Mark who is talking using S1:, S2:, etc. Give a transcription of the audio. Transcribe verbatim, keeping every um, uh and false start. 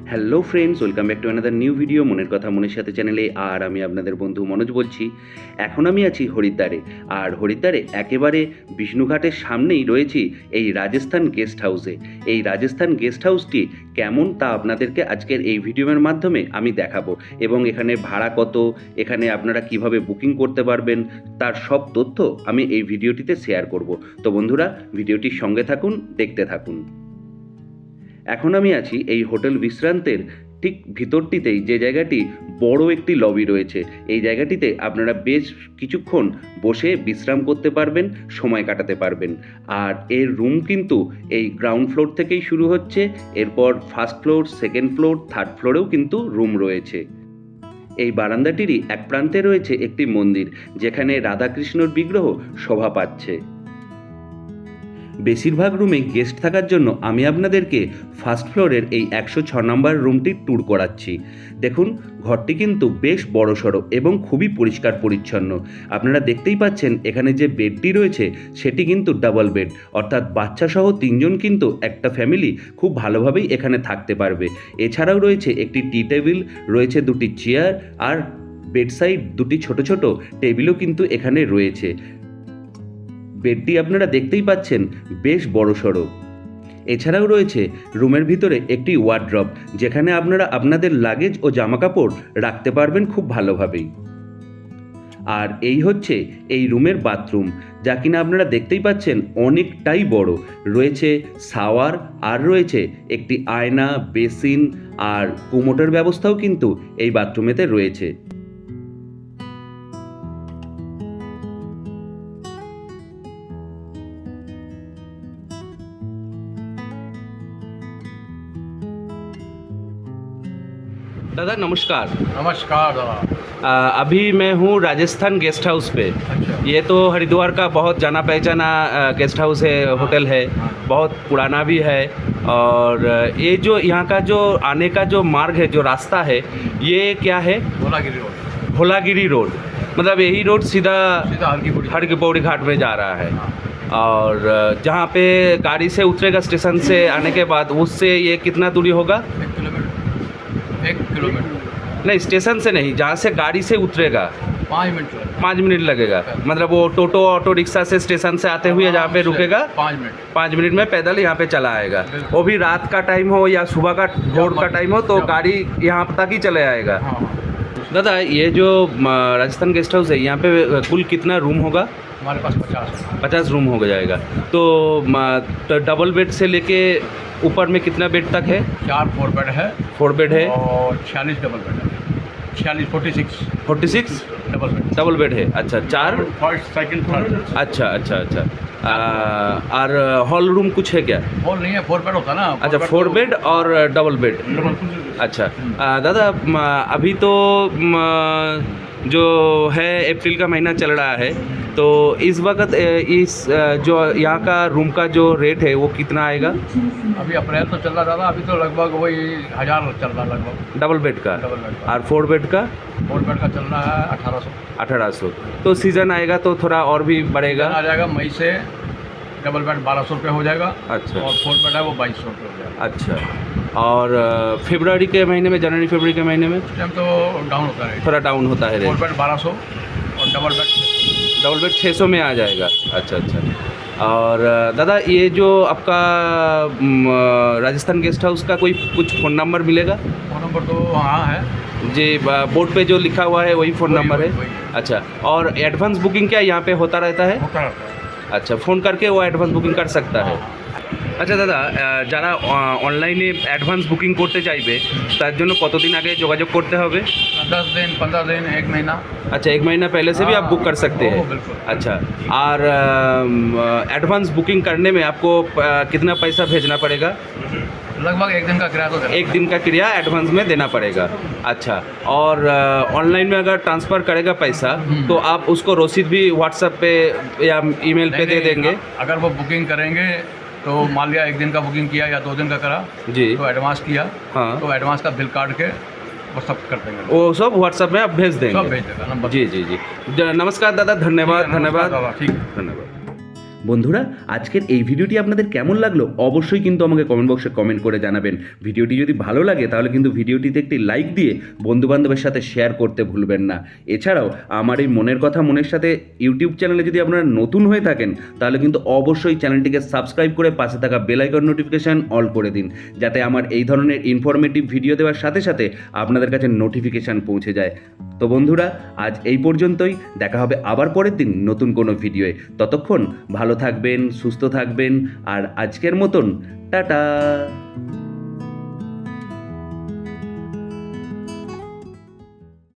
S1: Hello friends, welcome back to another new video মনের কথা মনের সাথে চ্যানেলে। আর আমি আপনাদের বন্ধু মনোজ বলছি। এখন আমি আছি হরিদ্বারে, আর হরিদ্বারে একেবারে বিষ্ণুঘাটের সামনেই রয়েছি এই রাজস্থান গেস্ট হাউসে। এই রাজস্থান গেস্ট হাউসটি কেমন তা আপনাদেরকে আজকের এই ভিডিওর মাধ্যমে আমি দেখাবো, এবং এখানে ভাড়া কত, এখানে আপনারা কিভাবে বুকিং করতে পারবেন তার সব তথ্য আমি এই ভিডিওটিতে শেয়ার করব। তো বন্ধুরা, ভিডিওটির সঙ্গে থাকুন, দেখতে থাকুন। এখন আমি আছি এই হোটেল বিশ্রান্তের ঠিক ভিতরটিতেই, যে জায়গাটি বড় একটি লবি রয়েছে। এই জায়গাটিতে আপনারা বেশ কিছুক্ষণ বসে বিশ্রাম করতে পারবেন, সময় কাটাতে পারবেন। আর এর রুম কিন্তু এই গ্রাউন্ড ফ্লোর থেকেই শুরু হচ্ছে, এরপর first floor, second floor, third ফ্লোরেও কিন্তু রুম রয়েছে। এই বারান্দাটিরই এক প্রান্তে রয়েছে একটি মন্দির, যেখানে রাধাকৃষ্ণর বিগ্রহ শোভা পাচ্ছে। বেশিরভাগ রুমে গেস্ট থাকার জন্য আমি আপনাদেরকে ফার্স্ট ফ্লোরের এই একশো ছ নম্বর রুমটির ট্যুর করাচ্ছি। দেখুন, ঘরটি কিন্তু বেশ বড়সড় এবং খুবই পরিষ্কার পরিচ্ছন্ন। আপনারা দেখতেই পাচ্ছেন এখানে যে বেডটি রয়েছে সেটি কিন্তু ডাবল বেড, অর্থাৎ বাচ্চাসহ তিনজন কিন্তু একটা ফ্যামিলি খুব ভালোভাবেই এখানে থাকতে পারবে। এছাড়াও রয়েছে একটি টি টেবিল, রয়েছে দুটি চেয়ার, আর বেডসাইড দুটি ছোট ছোট টেবিলও কিন্তু এখানে রয়েছে। বেডটি আপনারা দেখতেই পাচ্ছেন বেশ বড়সড়। এছাড়াও রয়েছে রুমের ভিতরে একটি ওয়ার্ড্রব, যেখানে আপনারা আপনাদের লাগেজ ও জামাকাপড় রাখতে পারবেন খুব ভালোভাবেই। আর এই হচ্ছে এই রুমের বাথরুম, যা কিনা আপনারা দেখতেই পাচ্ছেন অনেকটাই বড়। রয়েছে শাওয়ার, আর রয়েছে একটি আয়না, বেসিন, আর কুমোটের ব্যবস্থাও কিন্তু এই বাথরুমেতে রয়েছে। दादा नमस्कार।
S2: नमस्कार दादा।
S1: आ, अभी मैं हूँ राजस्थान गेस्ट हाउस पे।
S2: अच्छा।
S1: ये तो हरिद्वार का बहुत जाना पहचाना गेस्ट हाउस है, होटल है, बहुत पुराना भी है। और ये जो यहाँ का जो आने का जो मार्ग है, जो रास्ता है, ये क्या है?
S2: भोलागिरी रोड।
S1: भोलागिरी रोड, मतलब यही रोड सीधा
S2: सीधा हर की पौड़ी
S1: हर की पौड़ी घाट में जा रहा है। और जहाँ पे गाड़ी से उतरेगा स्टेशन से आने के बाद, उससे ये कितना दूरी होगा?
S2: एक किलोमीटर एक किलोमीटर
S1: नहीं, स्टेशन से नहीं, जहाँ से गाड़ी से उतरेगा
S2: पाँच मिनट लगेगा।
S1: पाँच मिनट लगेगा। मतलब वो टोटो ऑटो रिक्शा से स्टेशन से आते हुए जहाँ पे रुकेगा
S2: पाँच मिनट
S1: पाँच मिनट में पैदल यहाँ पे चला आएगा। वो भी रात का टाइम हो या सुबह का भोर का टाइम हो, तो गाड़ी यहाँ तक ही चले आएगा।
S2: हाँ।
S1: दादा, ये जो म, राजस्थान गेस्ट हाउस है, यहाँ पे कुल कितना रूम होगा?
S2: हमारे पास पचास
S1: पचास रूम हो जाएगा। तो, म, तो डबल बेड से लेके ऊपर में कितना बेड तक है?
S2: चार फोर बेड है
S1: फोर बेड है
S2: और छियालीस डबल बेड है। छियालीस forty six
S1: forty six
S2: double bed
S1: double bed है। अच्छा, चार।
S2: First second third.
S1: अच्छा अच्छा अच्छा। आ, और हॉल रूम कुछ है क्या?
S2: हॉल नहीं है, फोर बेड होता है ना।
S1: अच्छा, फोर बेड और डबल बेड। अच्छा। आ, दादा, म, अभी तो म, जो है अप्रैल का महीना चल रहा है, तो इस वक्त ए, इस अ, जो यहाँ का रूम का जो रेट है वो कितना आएगा?
S2: अभी अप्रैल तो चल रहा दादा, अभी तो लगभग वही हज़ार चल रहा लगभग।
S1: डबल बेड का।
S2: डबल बेड का।
S1: और फोर बेड का
S2: फोर बेड का चल रहा है अठारह सौ।
S1: अठारह सौ। तो सीज़न आएगा तो थोड़ा और भी बढ़ेगा।
S2: आ जाएगा मई से डबल बेड बारह सौ रुपये हो जाएगा।
S1: अच्छा।
S2: और फोर बेड है वो बाईस सौ रुपये हो जाएगा।
S1: अच्छा। और फरवरी के महीने में, जनवरी फरवरी के महीने में
S2: इस टाइम तो डाउन होता है,
S1: थोड़ा डाउन होता है
S2: फोर
S1: रेट।
S2: बेड बारह सौ और डबल बेड
S1: डबल बेड छः सौ में आ जाएगा। अच्छा अच्छा। और दादा, ये जो आपका म, राजस्थान गेस्ट हाउस का कोई कुछ फ़ोन नंबर मिलेगा?
S2: फोन नंबर तो हाँ है
S1: जी, बोर्ड पे जो लिखा हुआ है वही फ़ोन
S2: वही,
S1: नंबर
S2: वही,
S1: है।
S2: वही।
S1: अच्छा। और एडवांस बुकिंग क्या यहाँ पे होता रहता है?
S2: होता रहता है।
S1: अच्छा, फ़ोन करके वो एडवांस बुकिंग कर सकता है। আচ্ছা দাদা, যারা অনলাইনে অ্যাডভান্স বুকিং করতে চাইবে তার জন্য কতদিন আগে যোগাযোগ করতে হবে?
S2: दस दिन पंद्रह दिन एक महीना।
S1: अच्छा, एक महीना पहले से भी आप बुक कर सकते
S2: हाँ,
S1: हैं।
S2: बिल्कुल।
S1: अच्छा। और एडवांस बुकिंग करने में आपको अ, कितना पैसा भेजना पड़ेगा?
S2: लगभग एक दिन का किराया तो देना
S1: एक दिन का किराया एडवांस में देना पड़ेगा। अच्छा। और ऑनलाइन में अगर ट्रांसफ़र करेगा पैसा, तो आप उसको रसीद भी व्हाट्सएप पे या ईमेल पे
S2: नहीं,
S1: दे
S2: नहीं,
S1: देंगे?
S2: अगर वो बुकिंग करेंगे तो मान लिया एक दिन का बुकिंग किया या दो दिन का करा,
S1: जी।
S2: तो एडवांस किया,
S1: हाँ।
S2: तो एडवांस का बिल काट के वो सब कर देंगे।
S1: वो सब व्हाट्सएप में आप भेज देंगे?
S2: सब भेज देगा नंबर।
S1: जी जी जी। ज- नमस्कार दादा, धन्यवाद
S2: ठीक है,
S1: धन्यवाद
S2: नमस्कार दादा, ठीक है।
S1: धन्यवाद। বন্ধুরা, আজকের এই ভিডিওটি আপনাদের কেমন লাগলো অবশ্যই কিন্তু আমাকে কমেন্ট বক্সে কমেন্ট করে জানাবেন। ভিডিওটি যদি ভালো লাগে তাহলে কিন্তু ভিডিওটিতে একটি লাইক দিয়ে বন্ধুবান্ধবের সাথে শেয়ার করতে ভুলবেন না। এছাড়াও আমার এই মনের কথা মনের সাথে ইউটিউব চ্যানেলে যদি আপনারা নতুন হয়ে থাকেন তাহলে কিন্তু অবশ্যই চ্যানেলটিকে সাবস্ক্রাইব করে পাশে থাকা বেল আইকন নোটিফিকেশান অল করে দিন, যাতে আমার এই ধরনের ইনফরমেটিভ ভিডিও দেওয়ার সাথে সাথে আপনাদের কাছে নোটিফিকেশান পৌঁছে যায়। তো বন্ধুরা, আজ এই পর্যন্তই। দেখা হবে আবার পরের দিন নতুন কোনো ভিডিওয়ে। ততক্ষণ ভালো থাকবেন, সুস্থ থাকবেন, আর আজকের মতন টাটা।